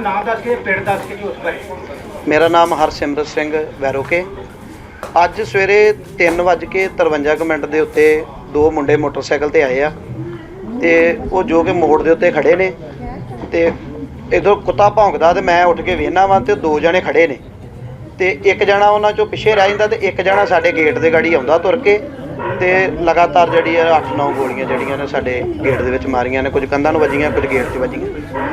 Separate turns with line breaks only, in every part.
ਨਾਮ ਦੱਸ ਕੇ ਪਿੰਡ ਦੱਸ ਕੇ ਜੀ ਉਸ ਬਾਰੇ।
ਮੇਰਾ ਨਾਮ ਹਰਸਿਮਰਤ ਸਿੰਘ ਵੈਰੋਕੇ। ਅੱਜ ਸਵੇਰੇ 3:53 ਦੇ ਉੱਤੇ ਦੋ ਮੁੰਡੇ ਮੋਟਰਸਾਈਕਲ ਤੇ ਆਏ ਆ ਤੇ ਉਹ ਜੋ ਕਿ ਮੋੜ ਦੇ ਉੱਤੇ ਖੜੇ ਨੇ ਤੇ ਇੱਧਰੋਂ ਕੁੱਤਾ ਭੌਂਕਦਾ ਤੇ ਮੈਂ ਉੱਠ ਕੇ ਵੇਖਣਾ ਵਾਂ ਤੇ ਦੋ ਜਣੇ ਖੜੇ ਨੇ ਤੇ ਇੱਕ ਜਣਾ ਉਹਨਾਂ ਚੋਂ ਪਿੱਛੇ ਰਹਿ ਜਾਂਦਾ ਤੇ ਇੱਕ ਜਣਾ ਸਾਡੇ ਗੇਟ ਦੇ ਗਾੜੀ ਆਉਂਦਾ ਤੁਰ ਕੇ ਤੇ ਲਗਾਤਾਰ ਜਿਹੜੀ 8-9 ਗੋਲੀਆਂ ਜਿਹੜੀਆਂ ਨੇ ਸਾਡੇ ਗੇਟ ਦੇ ਵਿੱਚ ਮਾਰੀਆਂ ਨੇ। ਕੁਝ ਕੰਧਾਂ ਨੂੰ ਵੱਜੀਆਂ, ਕੁਝ ਗੇਟ 'ਚ ਵੱਜੀਆਂ।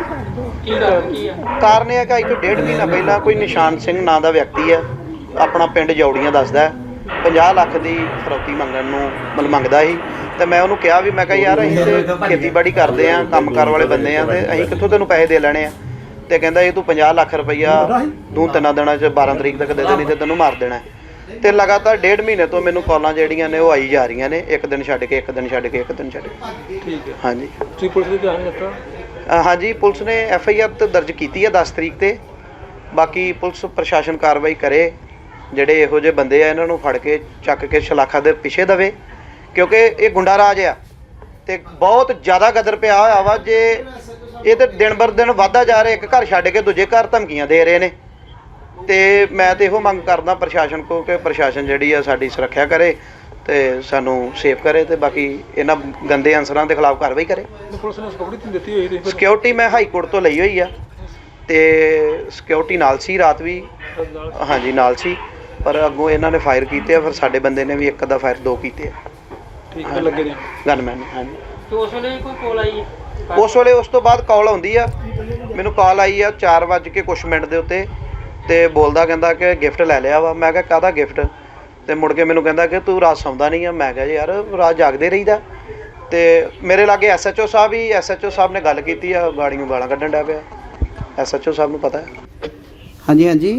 ਕਾਰਨ ਇਹ ਹੈ ਕਿ ਅੱਜ ਤੋਂ 1.5 ਮਹੀਨਾ ਪਹਿਲਾਂ ਕੋਈ ਨਿਸ਼ਾਨ ਸਿੰਘ ਨਾਂ ਦਾ ਵਿਅਕਤੀ ਹੈ, ਆਪਣਾ ਪਿੰਡ ਜੌੜੀਆਂ ਦੱਸਦਾ, 50 ਲੱਖ ਦੀ ਫਰੌਤੀ ਮੰਗਣ ਨੂੰ ਮੰਗਦਾ ਸੀ ਤੇ ਮੈਂ ਉਹਨੂੰ ਕਿਹਾ ਵੀ ਮੈਂ ਕਿਹਾ ਯਾਰ ਅਸੀਂ ਤੇ ਖੇਤੀਬਾੜੀ ਕਰਦੇ ਹਾਂ, ਕੰਮਕਾਰ ਵਾਲੇ ਬੰਦੇ ਹਾਂ ਤੇ ਅਸੀਂ ਕਿੱਥੋਂ ਤੈਨੂੰ ਪੈਸੇ ਦੇ ਲੈਣੇ ਆ। ਤੇ ਕਹਿੰਦਾ ਇਹ ਤੂੰ 50 ਲੱਖ ਰੁਪਈਆ 2-3 ਦਿਨਾਂ 'ਚ 12 ਤਰੀਕ ਤੱਕ ਦੇ ਦੇਣੀ ਤੇ ਤੈਨੂੰ ਮਾਰ ਦੇਣਾ। ਤੇ ਲਗਾਤਾਰ 1.5 ਮਹੀਨੇ ਤੋਂ ਮੈਨੂੰ ਕਾਲਾਂ ਜਿਹੜੀਆਂ ਨੇ ਉਹ ਆਈ ਜਾ ਰਹੀਆਂ ਨੇ, ਇੱਕ ਦਿਨ ਛੱਡ ਕੇ ਇੱਕ ਦਿਨ ਛੱਡ ਕੇ ਇੱਕ ਦਿਨ ਛੱਡ ਕੇ। ਠੀਕ ਹੈ। ਹਾਂਜੀ, ਤੁਸੀਂ ਪੁਲਿਸ ਦੇ ਧਿਆਨ ਦਿੱਤਾ? ਹਾਂਜੀ, ਪੁਲਿਸ ਨੇ FIR ਦਰਜ ਕੀਤੀ ਹੈ 10 ਤਰੀਕ ਤੇ। ਬਾਕੀ ਪੁਲਿਸ ਪ੍ਰਸ਼ਾਸਨ ਕਾਰਵਾਈ ਕਰੇ, ਜਿਹੜੇ ਇਹੋ ਜਿਹੇ ਬੰਦੇ ਆ ਇਹਨਾਂ ਨੂੰ ਫੜ ਕੇ ਚੱਕ ਕੇ ਸ਼ਲਾਖਾ ਦੇ ਪਿੱਛੇ ਦੇਵੇ, ਕਿਉਂਕਿ ਇਹ ਗੁੰਡਾ ਰਾਜ ਆ ਤੇ ਬਹੁਤ ਜ਼ਿਆਦਾ ਗਦਰ ਪਿਆ ਹੋਇਆ ਵਾ। ਜੇ ਇਹ ਤੇ ਦਿਨ ਬਰ ਦਿਨ ਵੱਧਦਾ ਜਾ ਰਿਹਾ, ਇੱਕ ਘਰ ਛੱਡ ਕੇ ਦੂਜੇ ਘਰ ਧਮਕੀਆਂ ਦੇ ਰਹੇ ਨੇ ਤੇ ਮੈਂ ਤੇ ਇਹੋ ਮੰਗ ਕਰਦਾ ਪ੍ਰਸ਼ਾਸਨ ਕੋਲ ਕਿ ਪ੍ਰਸ਼ਾਸਨ ਜਿਹੜੀ ਆ ਸਾਡੀ ਸੁਰੱਖਿਆ ਕਰੇ ਤੇ ਸਾਨੂੰ ਸੇਫ ਕਰੇ ਤੇ ਬਾਕੀ ਇਹਨਾਂ ਗੰਦੇ ਅਨਸਰਾਂ ਦੇ ਖਿਲਾਫ ਕਾਰਵਾਈ ਕਰੇ। ਪੁਲਿਸ ਨੇ ਸਿਕਿਉਰਿਟੀ ਦਿੱਤੀ ਹੋਈ? ਸਿਕਿਉਰਿਟੀ ਮੈਂ ਹਾਈ ਕੋਰਟ ਤੋਂ ਲਈ ਹੋਈ ਆ ਤੇ ਸਿਕਿਉਰਿਟੀ ਨਾਲ ਸੀ, ਰਾਤ ਵੀ ਹਾਂਜੀ ਨਾਲ ਸੀ, ਪਰ ਅੱਗੋਂ ਇਹਨਾਂ ਨੇ ਫਾਇਰ ਕੀਤੇ ਆ, ਫਿਰ ਸਾਡੇ ਬੰਦੇ ਨੇ ਵੀ ਇੱਕ ਦਾ ਫਾਇਰ 2 ਕੀਤੇ ਆ। ਠੀਕ ਹੈ, ਲੱਗੇ ਨੇ ਗਨਮੈਨ। ਹਾਂਜੀ, ਤੇ ਉਸ ਵੇਲੇ ਕੋਈ ਕਾਲ ਆਈ? ਉਸ ਤੋਂ ਬਾਅਦ ਕਾਲ ਆਉਂਦੀ ਆ, ਮੈਨੂੰ ਕਾਲ ਆਈ ਆ 4:00 ਦੇ ਉੱਤੇ ਤੇ ਬੋਲਦਾ ਕਹਿੰਦਾ ਕਿ ਗਿਫਟ ਲੈ ਲਿਆ ਵਾ। ਮੈਂ ਕਿਹਾ ਕਾਹਦਾ ਗਿਫਟ? ਤੇ ਮੁੜ ਕੇ ਮੈਨੂੰ ਕਹਿੰਦਾ ਕਿ ਤੂੰ ਰਾਤ ਸੌਂਦਾ ਨਹੀਂ ਆ। ਮੈਂ ਕਿਹਾ ਯਾਰ ਰਾਤ ਜਾਗਦੇ ਰਹੀਦਾ। ਤੇ ਮੇਰੇ ਲਾਗੇ SHO ਸਾਹਿਬ ਹੀ, SHO ਸਾਹਿਬ ਨੇ ਗੱਲ ਕੀਤੀ ਆ, ਗਾੜੀ ਨੂੰ ਗਾਲਾਂ ਕੱਢਣ ਡਿਆ ਪਿਆ। SHO ਸਾਹਿਬ ਨੂੰ ਪਤਾ ਹੈ। ਹਾਂਜੀ ਹਾਂਜੀ,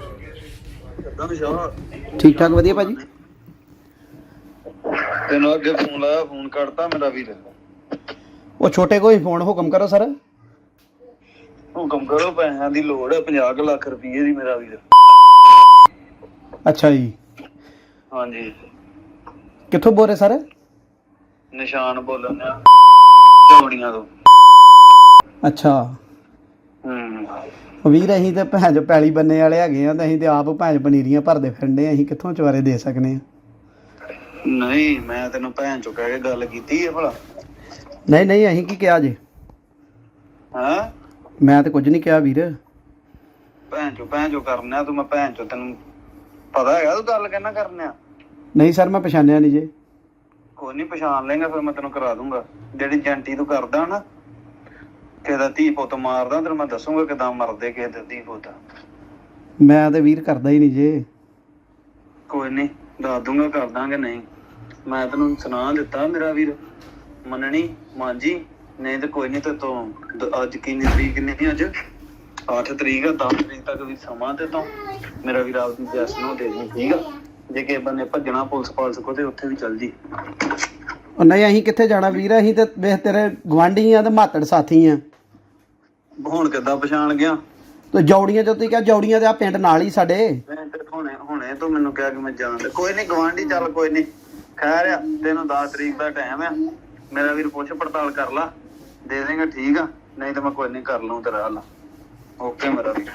ਠੀਕ ਠਾਕ, ਵਧੀਆ ਭਾਜੀ।
ਤੈਨੂੰ ਅੱਗੇ ਫੋਨ ਲਾਇਆ, ਫੋਨ ਕੱਟਤਾ ਮੇਰਾ ਵੀਰ।
ਉਹ ਛੋਟੇ ਕੋਈ ਫੋਨ, ਹੁਕਮ ਕਰੋ ਸਰ।
ਹੁਕਮ ਕਰੋ, ਪੈਸਿਆਂ ਦੀ ਲੋੜ ਹੈ, 50 ਲੱਖ ਰੁਪਏ ਦੀ ਮੇਰਾ ਵੀਰ।
ਅੱਛਾ ਜੀ।
ਹਾਂਜੀ,
ਕਿੱਥੋਂ ਬੋਲ ਰਹੇ ਸਰ?
ਨਿਸ਼ਾਨ ਬੋਲਣ ਆ, ਚੌੜੀਆਂ ਤੋਂ।
ਅੱਛਾ ਵੀਰ, ਅਸੀਂ ਤੇ ਭੈਣ ਚ ਪੈਲੀ ਬੰਨੇ ਵਾਲੇ ਹੈਗੇ ਆ ਤੇ ਅਸੀਂ ਤੇ ਆਪ ਭੈਣ ਪਨੀਰੀਆਂ ਭਰਦੇ ਫਿਰਦੇ, ਅਸੀਂ ਕਿੱਥੋਂ ਚਵਾਰੇ ਦੇ ਸਕਨੇ ਆ?
ਨਹੀਂ, ਮੈਂ ਤੈਨੂੰ ਭੈਣ ਚੋਂ ਕਹਿ ਕੇ ਗੱਲ ਕੀਤੀ ਹੈ ਭਲਾ?
ਨਹੀਂ ਨਹੀਂ, ਅਸੀਂ ਕੀ ਕਿਹਾ ਜੀ?
ਹਾਂ,
ਮੈਂ ਤੇ ਕੁਝ ਨਹੀਂ ਕਿਹਾ ਵੀਰ।
ਭੈਣ ਚੋਂ ਕਰਨਾ ਤੂੰ? ਮੈਂ ਭੈਣ ਚੋਂ, ਤੈਨੂੰ ਪਤਾ ਹੈਗਾ ਤੂੰ ਗੱਲ ਕਹਿਣਾ ਕਰਨਾ?
ਨਹੀਂ ਸਰ, ਮੈਂ ਪਛਾਣਿਆ ਨਹੀਂ ਜੇ।
ਕੋਈ ਨਹੀਂ, ਪਛਾਣ ਲੇਗਾ ਫਿਰ ਮੈਂ ਤੈਨੂੰ ਕਰਾ ਦੂੰਗਾ। ਜਿਹੜੀ ਜੰਟੀ ਤੂੰ ਕਰਦਾ ਨਾ, ਕਿਸੇ ਦਾ ਧੀ ਪੁੱਤ ਮਾਰਦਾ, ਤੈਨੂੰ ਮੈਂ ਦੱਸੂਗਾ ਕਿੱਦਾਂ ਮਰਦੇ ਕਿਸੇ ਦੇ ਧੀ ਪੁੱਤ।
ਮੈਂ ਤੇ ਵੀਰ ਕਰਦਾ ਹੀ ਨਹੀਂ ਜੇ।
ਕੋਈ ਨਹੀਂ, ਦੱਸ ਦੂੰਗਾ ਕਰ ਦਾਂਗੇ। ਨਹੀਂ, ਮੈਂ ਤੈਨੂੰ ਸੁਣਾ ਦਿੱਤਾ ਮੇਰਾ ਵੀਰ, ਮੰਨਣੀ ਮਾਂਜੀ। ਨਹੀਂ ਤੇ ਕੋਈ ਨਹੀਂ, ਤੇ ਤੋਂ ਅੱਜ ਕਿੰਨੀ ਤਰੀਕ ਨਹੀਂ, ਅੱਜ 8 ਤਰੀਕ ਆ, 10 ਤਰੀਕ ਤੱਕ ਵੀ ਸਮਾਂ ਤੇ ਤੋਂ ਮੇਰਾ ਵੀਰ ਆਪਦੀ ਜੈਸ ਨੂੰ ਦੇ ਦੀ, ਠੀਕ ਆ? ਜੇ ਕਿਸੇ ਬੰਨੇ ਭੱਜਣਾ ਪੁਲਿਸ ਪਾਲਸ ਕੋ ਤੇ ਉੱਥੇ ਵੀ ਚੱਲ ਜੀ।
ਉਹ ਨਹੀਂ, ਅਸੀਂ ਕਿੱਥੇ ਜਾਣਾ ਵੀਰ, ਅਸੀਂ ਤੇ ਵੇਖ ਤੇਰੇ ਗੁਆਂਢੀ ਆ ਤੇ ਮਾਤੜ ਸਾਥੀ ਆ।
ਹੁਣ ਕਿੱਦਾਂ ਪਛਾਣ ਗਿਆ?
ਤੇ ਜੌੜੀਆਂ ਜਦੋਂ ਕਿਹਾ, ਜੌੜੀਆਂ ਤੇ ਆ ਪਿੰਡ ਨਾਲ ਹੀ ਸਾਡੇ।
ਹੁਣੇ ਤੂੰ ਮੈਨੂੰ ਕਿਹਾ ਕਿ ਮੈਂ ਜਾਣਦਾ। ਕੋਈ ਨਹੀਂ ਗਵਾਂਢੀ, ਚੱਲ ਕੋਈ ਨਹੀਂ, ਖੈਰ ਆ, ਤੈਨੂੰ 10 ਤਰੀਕ ਦਾ ਟਾਈਮ ਆ, ਮੇਰਾ ਵੀਰ ਪੁੱਛ ਪੜਤਾਲ ਕਰ ਲਾ, ਦੇ ਦੇਗਾ, ਠੀਕ ਆ? ਨਹੀਂ ਤਾਂ ਮੈਂ ਕੋਈ ਨਹੀਂ ਕਰ ਲਊ ਤੇਰਾ ਹੱਲ। ਓਕੇ ਮੇਰਾ ਵੀਰ।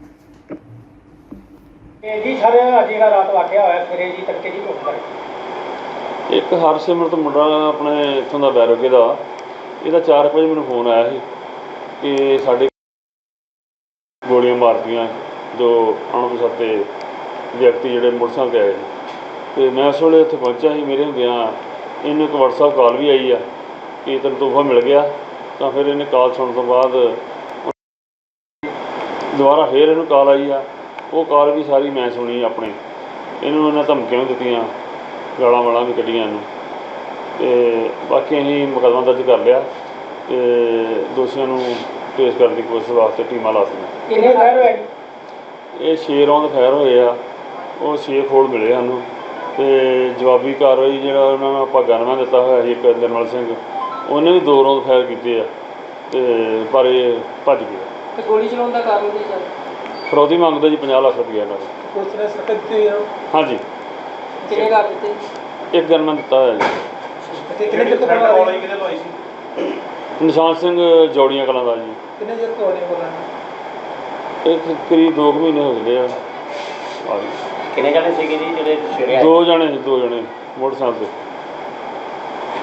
ਜੀ ਸਰ, ਅੱਜ ਜਿਹੜਾ ਰਾਤ ਵਾਕਿਆ ਹੋਇਆ ਸਵੇਰੇ ਜੀ ਤੜਕੇ ਜੀ ਉੱਠਦਾ
ਇੱਕ ਹਰਸਿਮਰਤ ਮੁੰਡਾ ਆਪਣੇ ਇੱਥੋਂ ਦਾ ਵੈਰੋਕੇ ਦਾ, ਇਹਦਾ 4 ਵਜੇ ਮੈਨੂੰ ਫੋਨ ਆਇਆ ਸੀ ਕਿ ਸਾਡੇ ਗੋਲੀਆਂ ਮਾਰਤੀਆਂ ਜੋ ਅਣਪਛਾਤੇ ਵਿਅਕਤੀ ਜਿਹੜੇ ਮੋਟਰਸਾਈਕਲ 'ਤੇ ਆਏ ਨੇ। ਅਤੇ ਮੈਂ ਉਸ ਵੇਲੇ ਉੱਥੇ ਪਹੁੰਚਿਆ ਸੀ। ਮੇਰੇ ਹੁੰਦਿਆਂ ਇਹਨੂੰ ਇੱਕ WhatsApp ਕਾਲ ਵੀ ਆਈ ਆ ਕਿ ਤੈਨੂੰ ਤੋਹਫਾ ਮਿਲ ਗਿਆ। ਤਾਂ ਫਿਰ ਇਹਨੇ ਕਾਲ ਸੁਣਨ ਤੋਂ ਬਾਅਦ ਦੁਬਾਰਾ ਫਿਰ ਇਹਨੂੰ ਕਾਲ ਆਈ ਆ, ਉਹ ਕਾਲ ਵੀ ਸਾਰੀ ਮੈਂ ਸੁਣੀ ਆਪਣੇ। ਇਹਨੂੰ ਇਹਨਾਂ ਧਮਕੀਆਂ ਵੀ ਦਿੱਤੀਆਂ, ਗਾਲਾਂ ਵਾਲਾਂ ਵੀ ਕੱਢੀਆਂ ਇਹਨੂੰ। ਅਤੇ ਬਾਕੀ ਅਸੀਂ ਮੁਕੱਦਮਾ ਦਰਜ ਕਰ ਲਿਆ ਅਤੇ ਦੋਸ਼ੀਆਂ ਨੂੰ ਪੇਸ਼ ਕਰਨ ਦੀ ਕੋਸ਼ਿਸ਼ ਵਾਸਤੇ ਟੀਮਾਂ ਲਾ ਦਿੱਤੀਆਂ।
ਕਿੰਨੇ ਫਾਇਰ ਹੋਏ?
ਇਹ 6 ਰੌਂਦ ਫਾਇਰ ਹੋਏ ਆ, ਉਹ 6 ਖੋਲ ਮਿਲੇ ਸਾਨੂੰ। ਅਤੇ ਜਵਾਬੀ ਕਾਰਵਾਈ ਜਿਹੜਾ ਉਹਨਾਂ ਨੂੰ ਆਪਾਂ ਗਨਮੈਨ ਦਿੱਤਾ ਹੋਇਆ ਸੀ ਇੱਕ ਨਿਰਮਲ ਸਿੰਘ, ਉਹਨੇ ਵੀ 2 ਰੌਂਦ ਫਾਇਰ ਕੀਤੇ ਆ ਅਤੇ ਪਰ ਇਹ ਭੱਜ ਗਿਆ।
ਤੇ ਗੋਲੀ ਚਲਾਉਣ ਦਾ ਕਾਰਨ ਕੀ ਸਰ?
ਫਰੌਤੀ ਮੰਗਦਾ ਜੀ 50 ਲੱਖ ਰੁਪਈਆ ਨਾਲ।
ਪੁਲਿਸ ਨੇ ਸਖਤ ਦਿੱਤੀ ਆ? ਹਾਂਜੀ। ਕਿੰਨੇ ਕਰ ਦਿੱਤੇ?
ਇੱਕ ਗਨਮੈਨ ਦਿੱਤਾ ਹੋਇਆ ਜੀ।
ਕਿੰਨੇ ਚਿਰ ਤੋਂ ਕਾਲ ਆਈ, ਕਿਹਦੇ ਤੋਂ ਆਈ ਸੀ?
ਨਿਸ਼ਾਨ ਸਿੰਘ ਜੌੜੀਆਂ ਕਲਾਂ ਦਾ ਜੀ।
ਕਿੰਨੇ ਚਿਰ ਤੋਂ ਆਉਣੇ ਕੋਲ?
ਇਹ ਕਰੀਬ 2 ਮਹੀਨੇ ਹੋ ਗਏ ਆ।
ਕਿੰਨੇ ਜਣੇ ਸੀਗੇ ਜੀ ਜਿਹੜੇ ਸਵੇਰੇ ਆਏ?
2 ਜਣੇ ਮੋਟਰਸਾਈਕਲ 'ਤੇ।